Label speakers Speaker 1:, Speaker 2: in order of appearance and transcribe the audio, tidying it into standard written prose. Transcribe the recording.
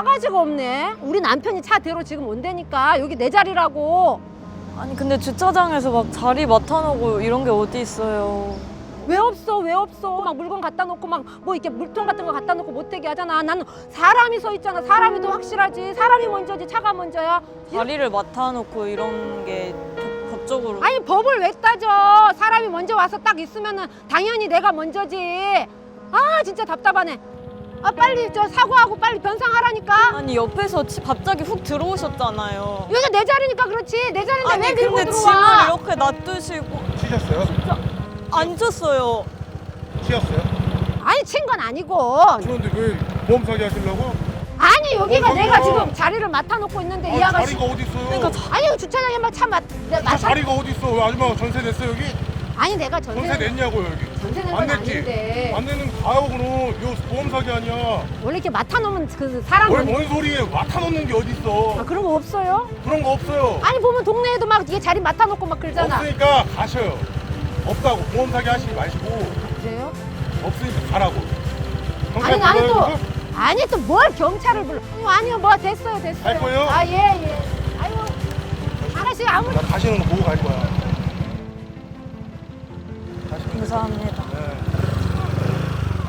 Speaker 1: 싸가지가 없네. 우리 남편이 차 대로 지금 온다니까. 여기 내 자리라고.
Speaker 2: 아니 근데 주차장에서 막 자리 맡아놓고 이런 게 어디 있어요.
Speaker 1: 왜 없어? 왜 없어? 막 물건 갖다 놓고 막 뭐 이렇게 물통 같은 거 갖다 놓고 못 되게 하잖아. 나는 사람이 서 있잖아. 사람이 더 확실하지. 사람이 먼저지 차가 먼저야.
Speaker 2: 자리를 맡아놓고 이런 게 법적으로.
Speaker 1: 아니 법을 왜 따져? 사람이 먼저 와서 딱 있으면은 당연히 내가 먼저지. 아 진짜 답답하네. 아 빨리 저 사과하고 빨리 변상하라니까.
Speaker 2: 아니 옆에서 갑자기 훅 들어오셨잖아요.
Speaker 1: 여기 내 자리니까 그렇지. 내 자리인데
Speaker 2: 아니
Speaker 1: 왜 밀고
Speaker 2: 근데
Speaker 1: 들어와?
Speaker 2: 짐을 이렇게 놔두시고
Speaker 3: 치셨어요?
Speaker 2: 앉았어요.
Speaker 3: 치였어요?
Speaker 1: 아니 친 건 아니고.
Speaker 3: 그런데 왜 보험 사기 하시려고?
Speaker 1: 아니 여기가
Speaker 3: 어,
Speaker 1: 내가
Speaker 3: 저기요.
Speaker 1: 지금 자리를 맡아놓고 있는데 이
Speaker 3: 아,
Speaker 1: 아가씨.
Speaker 3: 자리가 어디 있어요?
Speaker 2: 그러니까
Speaker 1: 아니 주차장에 막차 맡아.
Speaker 3: 자리가 어디 있어? 왜 아줌마가 전세 냈어 여기?
Speaker 1: 아니 내가
Speaker 3: 전세 냈냐고요 여기?
Speaker 1: 전세 낸
Speaker 3: 안
Speaker 1: 건
Speaker 3: 냈지?
Speaker 1: 아닌데.
Speaker 3: 안 내는 가요 그럼. 이거 보험 사기 아니야.
Speaker 1: 원래 이렇게 맡아놓으면 그 사람.
Speaker 3: 뭔 소리예요? 맡아놓는 게 어디 있어?
Speaker 1: 아 그런 거 없어요?
Speaker 3: 그런 거 없어요.
Speaker 1: 아니 보면 동네에도 막 이게 자리 맡아놓고 막 그러잖아.
Speaker 3: 없으니까 가셔요. 없다고 보험 사기 하시지 마시고
Speaker 1: 그래요?
Speaker 3: 없으니까 가라고.
Speaker 1: 아니
Speaker 3: 경찰
Speaker 1: 나는 또
Speaker 3: 불러요,
Speaker 1: 아니 또 뭘 경찰을 불러? 아니요 뭐 됐어요.
Speaker 3: 갈 거예요?
Speaker 1: 아 예. 아유 아가씨 아무.
Speaker 3: 나 가시는 거 보고 갈 거야. 가시는 거.
Speaker 2: 감사합니다.
Speaker 3: 네.